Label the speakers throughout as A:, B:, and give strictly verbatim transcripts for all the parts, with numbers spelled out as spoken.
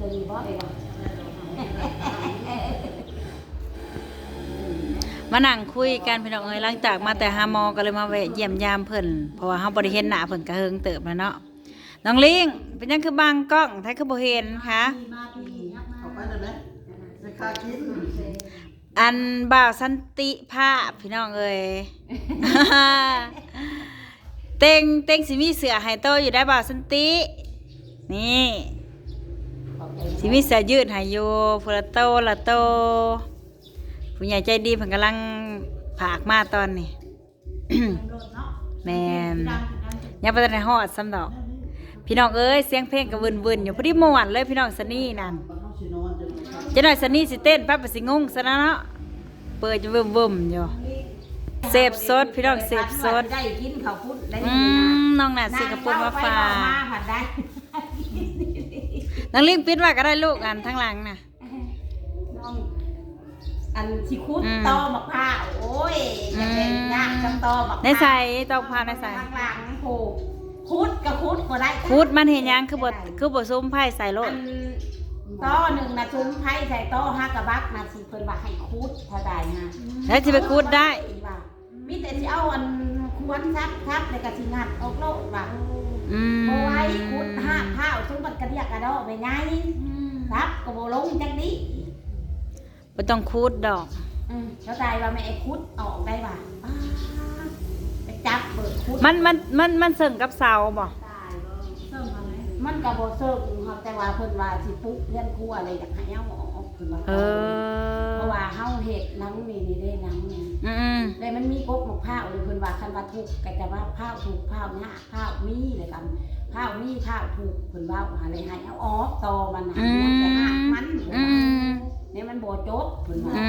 A: ตัวนี้บ่เอง
B: มานั่งคุยกันพี่น้องเอ้ยหลังจากมาแต่หาหมอก็เลยมาแวะเยี่ยมยามเพิ่นเพราะว่าเฮาบ่ได้เห็นหน้าเพิ่นก็เฮิงเติบแล้วเนาะน้องลิงเป็นยังคือบางกล้องไทยคือบ่เห็นคะ
C: เอาไปได้ไหมในคาคิด
B: อันบ่าวสันติภาพพี่น้องเอ้ย เต็งเต็งสิมีเสือให้โตอยู่ได้บ่าวสันตินี่สิมีเสือยืดให้อยู่พุละโตละโตผู้ใหญ่ใจดีเพิ่นกำลังผากมาตอนนี้ แม่นยังบ่ทันได้ฮอดซ้ำดอกพี่น้องเอ้ยเสียงเพลงก็วุ่นๆอยู่พอดีม่วนเลยพี่น้องสนี่นั่นจะหน่อยสนี่สิเต้นปั๊บก็สิงงซะแล้วเนาะเปิดอยู่เบิ่มๆอยู่เสพสดพี่น้องเสพสด
A: ได้กินข้าวพุ้นได้
B: อืมน้องน่ะสิกระปุกมาฝาก
A: มาผัดได้
B: น้องลิงปิดไว้ก็ได้ลูกอันทั้งหลังน่ะ
A: น้องอันสิคุดตอมะพร้าวโอ้ยจะเป็นยากจังตอมะพร้าว
B: ในใส่ตอกพาวในใส่
A: ข้างหลังโหคุดกับคุดบ่ได้
B: คุดมันเห็นยังคือบ่คือบ่ซุ่มไผ่ใส่โลด
A: ต้อหนึ่งนะซุ้มไผ่ใส่ต้อห้ากระบักนะสิเพิ่นว่าให้คุดเท่าใดนะ
B: แล้วสิไปคุดได้
A: มีแต่สิเอาอันควรซักซักแล้วก็สิงัดออกโลดว่า
B: อืม
A: บ่ไว้คุดห้าข้าวซุ้มมันกระเดียกกระดอไปไงครับก็บ่ลงจังนี้
B: บ่ต้องคุดดอก
A: อืมเข้าใจว่าแม่คุดออกได้ป่ะไปจับเปิดคุด
B: มันมันมันมันเสิ่งกับเสาบ่
A: มันก็บ่เซิร์ฟครับแต่ว่าเพิ่นว่าสิปุ๊เลื่อนครัวอะไรอยากให้เอาออกเพิ่นว่าเออเพราะว่าเฮาเฮ็ดหนังนี่นี่ได้หนังนี่
B: อือๆ
A: แล้วมันมีกกมะพร้าวเลยเพิ่นว่าคันว่าทุกข์ก็จะว่าพร้าวถูกพร้าวหน้าพร้าวมีเลยกันพร้าวมีพร้าวถูกเพิ่นว่าหาเลยให้เอาออกตอมันน่ะมันจะหักมันอือเนี่ยมันบ่จบเพิ่นว่าอื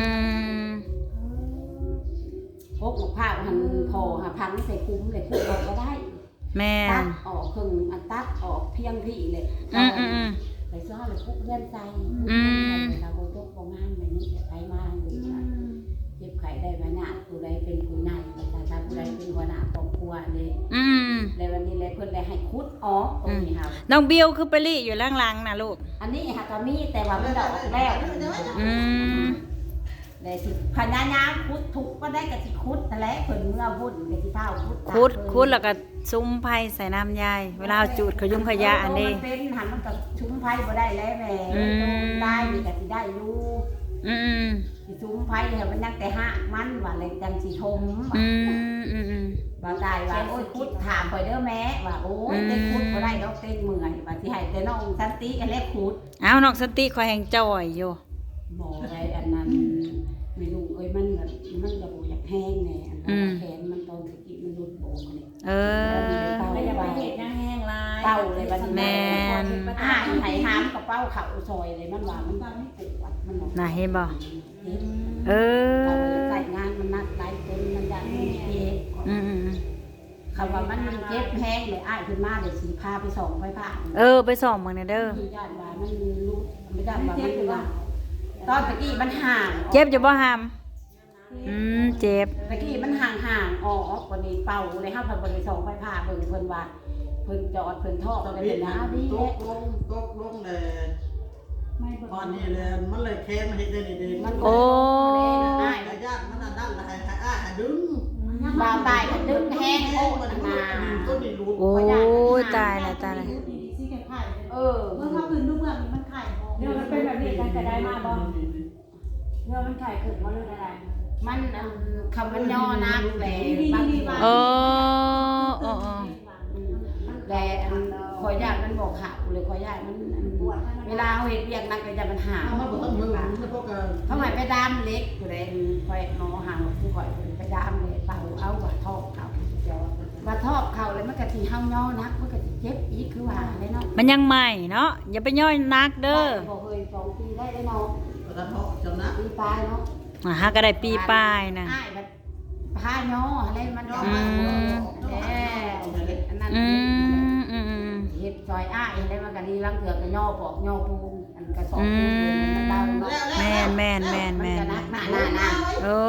A: อกกมะพร้าวหั่นพอหาพันใส่คุ้มเลยคุ้มก็ได้
B: แม่
A: ตัดออกครึ่งอันตัดออกเพียงที่เลย
B: อืออือ
A: ไปซ้อเลยคุกเลื่อนใจเราโบยกโบงานแบบนี้ไปมาอยู่เจ็บไข้ได้มาหน้าผู้ใดเป็นผู้นายประชาชนผู้ใดเป็นหัวหน้าครอบครัวเลยเลยวันนี้เลยเพิ่นเลยให้คุดออกตรงนี้ค่ะ
B: น้องบิวคือไปรีอยู่ล่างๆนะลูก
A: อันนี้ค่ะก็มีแต่ว่ามันดอกแล้ว
B: อืม
A: เลยสิพญายามคุดถูกก็ได้กับสิคุดแต่แล้วเพิ่นเมื่อวุ่นกับสิเท้าคุด
B: คุดคุดแล้วก็ซุ้มไผ่ใส่น้ำยายเวลาจูดขยุ่มขยะอันนี้
A: มันเป็นหันมันกับซุ้มไผ่บ่ได้แล้วแม่ได้มีกับสิได้อยู่
B: อืม
A: สิซุ้มไผ่เนี่ยมันยังแต่ห้ามันว่าเลยจังสิชม
B: อืมอืม
A: บ่ตายว่าโอ้ยคุดถามไปเด้อแม่ว่าโอ้ยเต้นคุดบ่ได้ดอกเต้นเมื่อยว่าสิให้แต่น้องสันติกันแล้วคุด
B: อ้าวน้องสันติคอยแห่งจ่อยอยู่
A: บ่ได้อันนั้นไม่รู้เอ้ยมันแบบมันก็บ่อยากแห้งแน่อันนั้นแขนมันตอนตะกี้มันหลุดโบกนี่
B: เออ
A: ไม่อยากไปเฮ็ดยังแห้งลายเป้าเลยบัดนี้
B: แม่น
A: อ่าไผหามกับเป้าเข้าซอยเลยมันว่ามันไม่ปวดมัน
B: น่าเห็นบ่เออ
A: ใส่งานมันนัดหลายคนมันยันมันเจ็บ
B: อืม
A: คำว่ามันเจ็บแห้งเลยอ้ายขึ้นมาเดี๋ยวสิพาไปส่องไฟฟ้า
B: เออไปส่องมึงเนี่ยเด้อ
A: ญาติว่ามันรู้ไม่ได้ว่ามันว่าตอนตะกี้มันห่าง
B: เจ็บจะบ่หามอืมเจ็บ
A: ตะกี้มันห่างห่างออกกว่านี้เป่าเลยห้าพันบริส่งไฟผ้าเบิ่งเพิ่นว่าเพิ่นจอดเพิ่นท่ออะไรเป็นน้ำดี
C: ตกลงตกลงเลยตอนนี้เลยมันเลยแค้นมาเห็นได้ดี
B: มันโอ้
C: ได้ญาติมันนั่นละให้ให้อ้าดึง
A: บ่าวตายมันดึงแห้งโอ้มันมา
B: โอ้ยตายแล้วตายแล้ว
A: เออเมื่อเขาคืนลูกเมื่อมันไข่เนี่ยมันเป็นแบบนี้กันจะได้มาบ่เมื่อมันไข่ขึ้นมาเรื่องอะไรมันคำมันย่อนักแหละบางที
B: โอ้โอ้
A: แต่คอยยากมันบอกหักหรือคอยยากมันเวลาเขาเห็นเรียกนักเลยจะมันห่างเขาหมายไปดามเล็กอยู่เลยคอยงอห่างผู้คอยไปดามเลยเป่าเอาว่าทอบเขาว่าทอบเขาเลยมันกะทิเฮาย่อนักมันกะทิเจ็บอีกคือว่าเลยเนาะ
B: มันยังใหม่เนาะอย่าไปย่อยนักเด้อ
A: บอกเคยสองปีได้เลยเนาะปีปลายเนาะ
B: อ่าฮะก็ได้ปีปลายนะ
A: ผ้าย่ออะไรมันย่อมาแล้วอันนั้นเห็ดซอยอ้ายอะไรมันก็ดีลังเถื่อกย่อปอกย่อปูอันกระสอบปูมันดาว
B: แม่นแม่นแม่นแม่น
A: หน้าหน้าหน้า
B: โอ้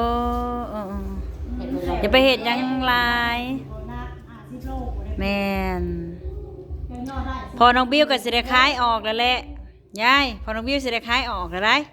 B: อย่าไปเห็ดยังลายแม่นพอน้องบิ้วก็สิได้คล้ายออกแล้วแหละยายพอน้องวิวสิได้ขายออกแล้วได้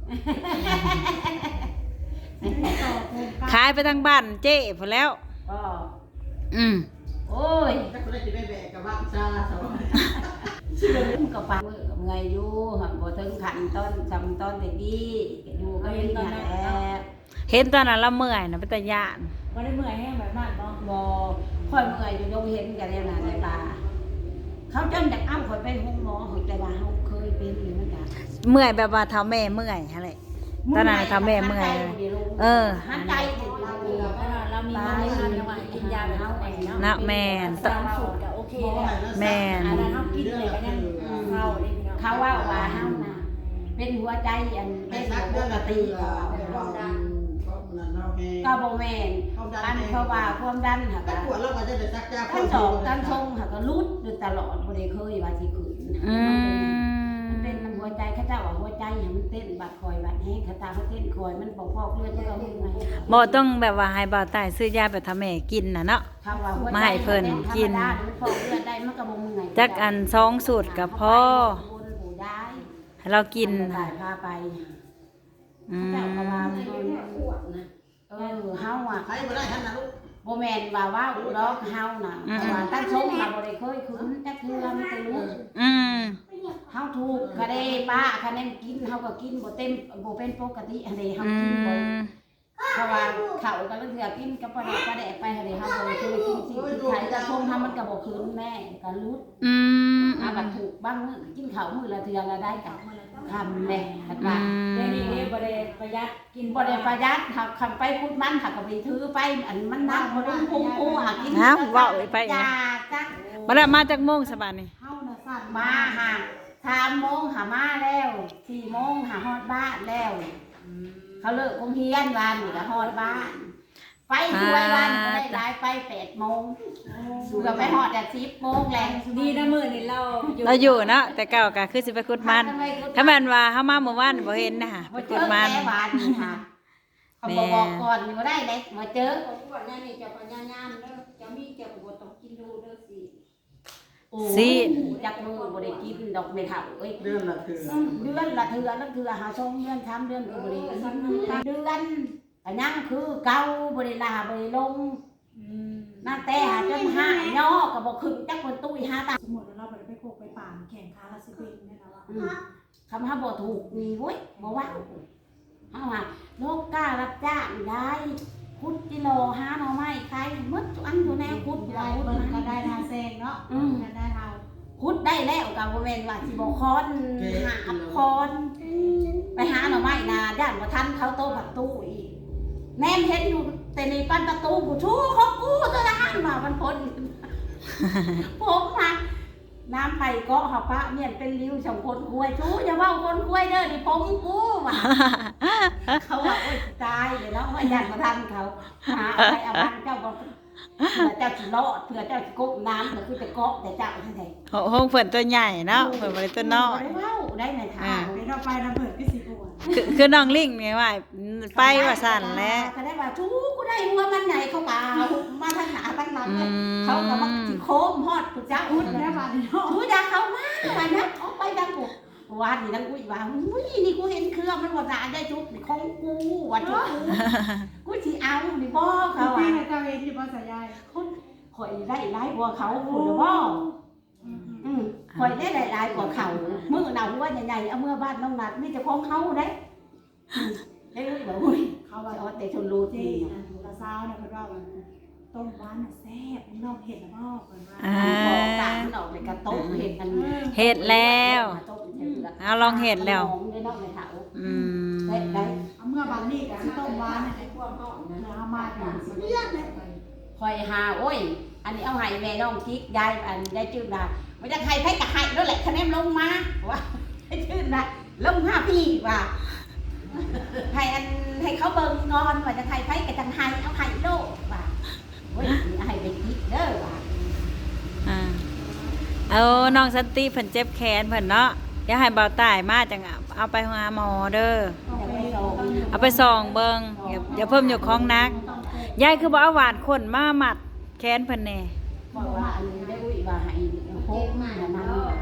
B: ขายไปทางบ้านเจ๊พอแล้ว
A: ก็
B: อืม
A: โอ้ย
C: ถ้าคนได้จะไปแบกกับบ้านซาสาว
A: มันก็ปังมือกับไงอยู่หักบ่ถึงขันต้นจำต้นแต่กี้อยู่ก็เห็นตอนนั้นแล้ว
B: เห็นตอนนั้นเราเมื่อยนะเป็นตาย่าน
D: บ่ได้เมื่อยแห้งแบบนั้นบ่
A: บ่ค่อยเมื่อยอยู่ยงเห็นกันแล้วนะในตาเขาจนอยากอ้ำข่อยไปห้องหมอข่อยแต่ว่าเฮาเคยเป็นอยู่เหมือนกัน
B: เมื่อยแบบว่าเท้าแม่เมื่อยอะไรตอนนั้นเท้าแม่เมื่อยเออ
A: หันใจเด็ดเรา
D: เรามีเงินในทางจังหวัดกินยาแบบเฮาเองเนาะ
B: นะแม่น
D: ตามสูตรก็โอเคแล้ว
B: แม่น
D: อันนั้นเฮากินเลยก็ยังเข้าได้พี่น้อง
A: เขาว่าว่าเฮาน่ะเป็นหัวใจอัน
C: ไป
A: เป็น
C: ซัก
A: ป
C: เดือน
A: ก
C: ละ
A: ติ
C: ตีก็ความดันความดันเราแห้ง
A: ก็บ่แม่นอันเพราะว่าความดันหัก
C: ถ้าปวดเราก็จะได้ซักยา
A: ทั้งสองทั้งทรงหักก็รุดอยู่ตลอดบ่ได้เคยว่าสิขึ้น
B: อืม
A: มันเป็นมันหัวใจเขาเจ้าว่าหัวใจให้มันเต้นบาดคอยบาดแห้งเขาตาเขาเต้นคอยมันบ่พอกเลือดก็มึงไง
B: บ่ต้องแบบว่าให้บ่าวตายซื้อยาแบบทำแม่กินน่ะเนาะ
A: เขาว่าหัวใจ
B: มาให้เพิ่นกิน
A: ธรรมดามันพอกเลือดได้มันก็บ่มึงไง
B: จักอันสองสูตรกับพ่อ
A: บุญผู้ได้
B: ให้เรากิน
A: ได้
B: น่ะ
A: พาไป
B: อื
A: เจ้าก็ว่า
B: ม
A: เพิ่นเออเฮาอ่ะ
C: ใครบ่ได้ท่านนะลูก
A: บ่แม่นว่าว่าอุดอกเฮาน่ะเพราะว่าตั้งชงน่ะบ่ได้เคยขึ้นจักเทื่อมันจะรู้
B: อืม
A: เฮาถูกคะเด้ป้าคะแนนกินเฮาก็กินบ่เต็มบ่เป็นปกติอันนี้เฮา
B: อื
A: กินบ่
B: ม
A: เพราะว่าเขาก็เถื่อกินกับปลาแดกปลาแดกไปให้เฮาบ่ได้เคยกินสิที่ไทยแต่ชงเฮามันก็บ่คืนแม่ก็รุด
B: อืม
A: อาบัดถูกบ้างมื้อกินข้าวมื้อละเทื่อละได้กับทำแน่บัดว่า
D: เดี๋ยวนี้บ่ได้ประหยัดกิน
A: บ่ได้ประหยัดหักคันไปพูดมันหักก็ไปถือไปอันมันนักบ่ได้พุงปูหากิน
B: อ้าวเว้าไป
A: จ้า
B: นะ
A: จัก
B: มาแล้วมาจากโมงสบายนี่
A: เฮาน่ะสั่นมาหาสามโมงหามาแล้วสี่โมงหาฮอดบ้านแล้ว เขาเลิกโรงเรียนวันนี่ก็ฮอดบ้าน ไปช่วยวันก็ได้รายไปแปดโมงเกือบไปฮอดแต่สิบโมงแหละ
D: ดีนะมื้อนี้เราอยู่
B: เราอยู่เนาะแต่เก่าก็คือสิไปขุดมันถ้าแม่นว่าเฮามาเมื่อวานบ่เห็นนะไป
A: มาเจ
B: ขุ
A: อ
B: ดมัน
A: แม่บ้านนี่ค่ะเขาบอกบอกก่อนนี่ก็ได้เลยมาเจอ
E: ปวดนั่นนี่จะปัญญายามเด้อจะมีเจ็บปวดต้องกินดูเด้อสิ
A: โอ้
B: สิ
A: จักมือบ่ได้กินดอกไม่เท่าเอ้ย
C: เดือนละคือ
A: เดือนละเทื่อละเทื่อหาชงเดือนสามเดือนก็บ่ได้กินเดือนก็ยังคือเก่าบ่ได้ลาบ่ได้ลง
D: อืม
A: นั่นแต่หาจนห้าย่อก็บ่ขึ้นจักคนตุ้ยหาตา
D: สมมุติว่าเราบ่ได้ไปโคกไปป่านแข่งขาละสิเป็นแม่นว่า
A: อืมคำหาบ่ถูกนี่เว้ยบ่ว่าเฮาว่าโลกกล้ารับจ้างได้คุดกิโลหาหน่อไม้ขายหมดทุกอันทุกแนวคุด
D: ได้
A: เราคุด
D: เบิ่ง
A: มา
D: ก็ได้ทาแซงเนาะ
A: อืม
D: ก็ได้เฮา
A: คุดได้แล้วก็บ่แม่นว่าสิบ่คอนหาคอนไปหาหน่อไม้นาด้านบ่ทันเขาโตผักตู้อีกแนมเห็นอยู่แต่ในปั้นประตูกูชูของกูตัวทหารมามันพ้น ผมมาน้ำไผ่เกาะหาปะเนี่ยเป็นริ้วสองคนคุยชูอย่าเว้าคนคุยเด้อนี่ผมกูว่ะ เขาว่าโอ๊ยตายเลยเนาะว่าอยากมาทำเขาหาอะไรเอาบ้านเจ้าบอกเผื่อเจ้าสิรอดเผื่อเจ้าสิกบน้ำก็คือจะเกาะแต่เจ้าท่านใด
B: ห้องเพิ่นตัวใหญ่เนาะเพิ่นบ่ได้ตัวน้อย
A: ได้เว้าได้ในทาง
D: ไปเราไปนะเพิ่นก็สิปวด
B: คือคือน้องลิงนี่ว่าไปว่าสั่นแหล้ว
A: ก็ได้ว่าชูกูได้หัวมันใหญ่เขามามาทางหนาทางหลัง
B: อืม
A: เขาก็มาสิโค้มฮอดกูเจ้า
D: พู
A: อุ้
D: ด
A: ย
D: แล้
A: นะ
D: วบาดนี้เนาะ
A: ชูอยากเขามาว่านะออกไปดังกูวานนี่ดังอุ้ยว่าอุ้ยนี่กูเห็นเครื่องมันบ่ได้ได้จุกนี่ของกูว่าจุกกูกูสิเอานี่บ่เขา
D: พี่
A: อ่ะ
D: ให้เจ้าเองที่บ่สายาย
A: คนข่อยได้หลายกว่าเขาพูดบ่
D: อืม
A: อืมข่อยได้หลายกว่าเขามื้อหนาวหัวใหญ่ๆเอาเมื่อบ้านน้องนัดนี่เจะของเขาเด้อืมได้รู้บ่อุ้ย
D: เขาว่า
A: เอาแต่ชนรู้
D: เจ
A: ที่
D: นะตาซาวเนี่ยเพิ่นว่าว่าต้มหวานน่ะแซ่บนี่น้องเห็ดแล้วบ่เพิ่นว่า
B: อ่า
A: บอกกลางมันออกในกระโต๊ะเห็ดอัน
B: เฮ็ดแล้ว
A: กระโต๊ะเห็ดเปลืก
B: เอาลองเฮ็ดแล้ว
A: มองได้นอกในเถา
B: อืม
A: ได้ได้
D: เอาเมื่อบานนี้ก็สิต้มหวานน่ะ
E: ไอ้พวกห้องนะ
D: เอามาถึงสิเลือดเลย
A: ข่อยหาโอ้ย อันนี้เอาให้แม่น้องกิ๊กยายอันยายจืดดาไม่จะให้ไผก็ให้นั่นแหละคะแนนลงมาว่าให้จืดดาลงห้าพี่ว่าให้อันให้เขาเบิ่งงอนว่าจะให้ไผก็จังให้เอาให้โลกว่าโอ้ยนี่ให้ไปกิ๊กเด้อว่า
B: อ่าเอาน้องสันติเพิ่นเจ็บแขนเพิ่นเนาะอย่าให้เบาตายมาจังเอาไปหาหมอเด้อ
A: อย่าไปโซง
B: เอาไปส่องเบิ่งอย่าอย่าเพิ่มอยู่ของหนักยายคือบ่เอาหวานคนมามัดแขนเพิ่นแน่
A: บอกว่าอันนี้ได้อุ้ยว่าให้โคกมาแล้วนั่นว่ะ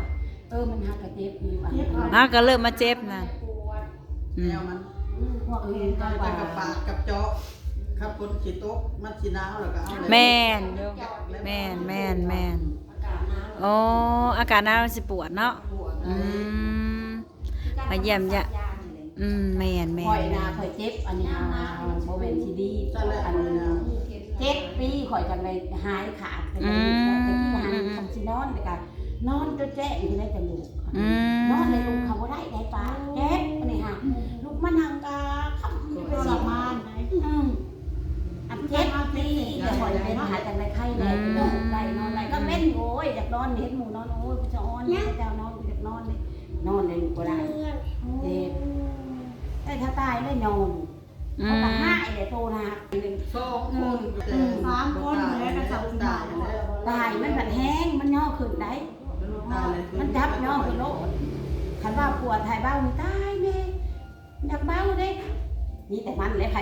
A: เออมันหักกระเจ็บอยู่อ่ะ
B: ฮะก็เริ่มมาเจ็บนะอื
C: แน
B: ม
C: วมัน
A: พวกอื่น
C: จะ
A: ก็ว่า
C: กับปากกับเจาะครับคนขีโต๊ะมันสีน้ำแล้วก็เอาเลย
B: แม่นอยู่แม่นแม่นแม่น
E: อากาศหนาว
B: อ๋ออาการหนาวมันสิปวดเนาะ
E: ปวด
B: อืม มาเยี่ยมยะ อืมแม่นแม่
A: ข่อย
B: น
A: นาข่อยเจ็บอันนี้เอาโมเมนทีดี
C: นั่นแหละ
A: อัน
C: เลย
A: นี้
C: นะ
A: เจ็ดปีข่อยจังเลยหายขาดไปเลยแต่ที่หายทำสินอนเลยกันนอนจนแจ้งอยู่ในจมูก
B: อืม
A: นอนในลูกเขาบ่ได้ได้ปลาเจ็บอันนี้ค่ะลูกมันทางกาขับ
D: ทรมานไหม
A: อืมอันเจ็บปีแต่ข่อยเป็นหายจังเลยไข้แน่นอนได้นอนได้ก็เป็นโอ้ยอยากนอนเห็นหมูนอนโอ้ยกูจะนอนเนี่ยจะนอนกูอยากนอนเลยนอนในลูกก็ได้เจ็บแต่ถ้าตายไม่นอน
B: อื
A: เขา
B: ม
A: ตาห้าไอ้เด็กโตนะหนึ่ง
C: สองคนตายแล้ว
A: ตายมันผันแห้งมันย่อขึ้นได้
C: ตายเลย
A: มันจับย่อขึ้นโลดคันว่าปวดถ่ายเบ้านี่ตายแม่อยากเบ้าเด้นี่แต่มันเลยใคร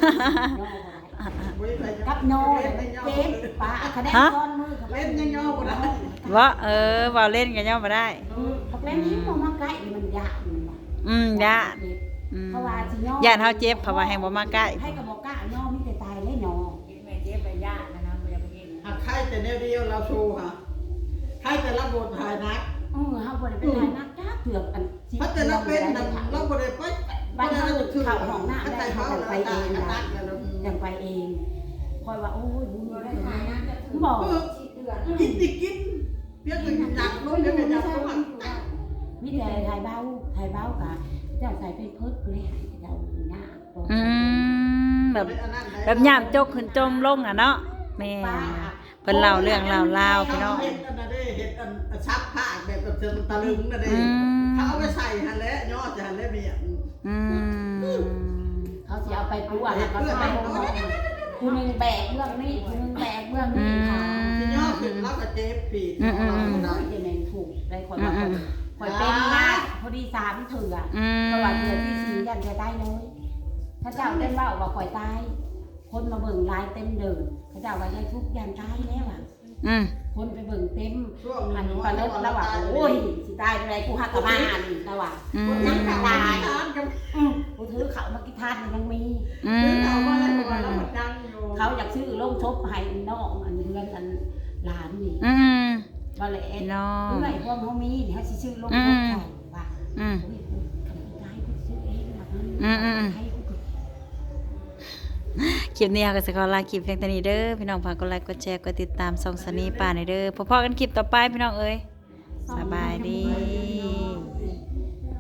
A: กับโยเจ็บปะคะแนนก้อนมือ
C: เล่นยังย่อบ่ได้
B: ว่าเออว่าเล่นกันย่อมาได้
A: กับเล่นนี้มันมาใกล้มันยากมัน
B: อืมยะอืม
A: เพราะว่าสิย่
B: ย่านเฮาเจ็บเพราะว่าแฮงบ่มาใกล้
A: ให้กับบอกกล้าย่อมีแต่ตายเลยย่อ
E: แม่เจ็บไปยากนะนะบ่อยากไปเห็น
C: หากใครแต่แนวเดียวเราโชว์ค่ะใครแต่รับบทหายนัก
A: เออเฮาบ่ได้เป็นไรนักจ้าเถือกอัน
C: เพราะแต่เราเป็นเราบ่ได้ไป
A: บ้านเฮาเข้าห้องน้ำ
C: ได้
A: ได้
C: เขา
A: เฮา
C: ไป
A: ไป
C: เอ
A: เอง
C: ง
A: นะ
C: นักแล้ว
A: ยังไปเองคอยว่าโอ้ยบุญ
E: บ่
A: ได้
E: ได้
A: ไหม
E: หายนะจะถึง
A: บอก
E: ชีเดือน
C: กินดิกินเพียงแต่จับลงเพียงแต่จับลง
A: วิธีไทยเบ้าไทยเบ้ากะเจ้าใส่เป็นเพิดคือให้เจ้าหน้า
B: อืมแบบแบบยามจกขึ้นจมลงอ่ะเนาะแม่นเพิ่นเล่าเรื่องเล่าลาวพี่น้อง
C: เห็ดอันนั้นได้เห็ดอันชับผ้าแบบแบบตะลึงนั่นเอ
B: อื
C: ง
B: ม
C: เขาเอาไปใส่หันแล้วยอดจะหันแล้วมี
B: อืม
A: เขาจะเอาไปปูอ่ะเขาจะไปมองคุณนึงแบกเบื้องนี้คุณนึงแบกเบื้องนี้ค่ะ
C: ที่ยอดขึ้นแล้วก็เจ็บปีก
A: เราได้จะแมงถูกได้คนมาคนคอยเป็นมากพอดีสามเถื่อ
B: อืม
A: ประวัติเถื่อที่สี่ยันจะได้เลยถ้าเจ้าเต้นว่าว่าคอยตาย คนมาเบิ่งลายเต็มเดิมเขาเจ้าว่าได้ทุกยันตายแล้วอ่ะ
B: อืม
A: คนไปเบิ่งเต็ม
C: ช่วง
A: อั
C: นั้น น
A: ปลาเลิศแล้วว่าโอ้ยสิตายอะไรกูหักกระบาลแล้วว่า
B: อืม
A: นั่งกระตาย
C: ทานกัน
A: กูถือเขามากิทานยังมี
B: อื
C: ซื้อ
B: ม
C: เขามาแล้วมาแล้วมันดังอยู่
A: เขาอยากซื้อลงชบให้น้องอันเรือนอันหลานนี่
B: อืม
A: ว่าเลยเอ็ด
B: น้อง
A: เมื่อไหร่พวกเขามีเนี่ยเขาสิซื้อลงชบให้ว่า
B: อืม
A: โอ้ยกูทำไม่ได้กูซื้อเองแบบ
B: อืมอืม
A: ให้กู
B: คลิปนี้เราก็จะขอลาคลิปเพียงเท่านี้เด้อพี่น้องฝากกดไลค์กดแชร์กดติดตามส่องสนีป่าในอยเด้อพบกันคลิปต่อไปพี่น้องเอ้ยสบายดี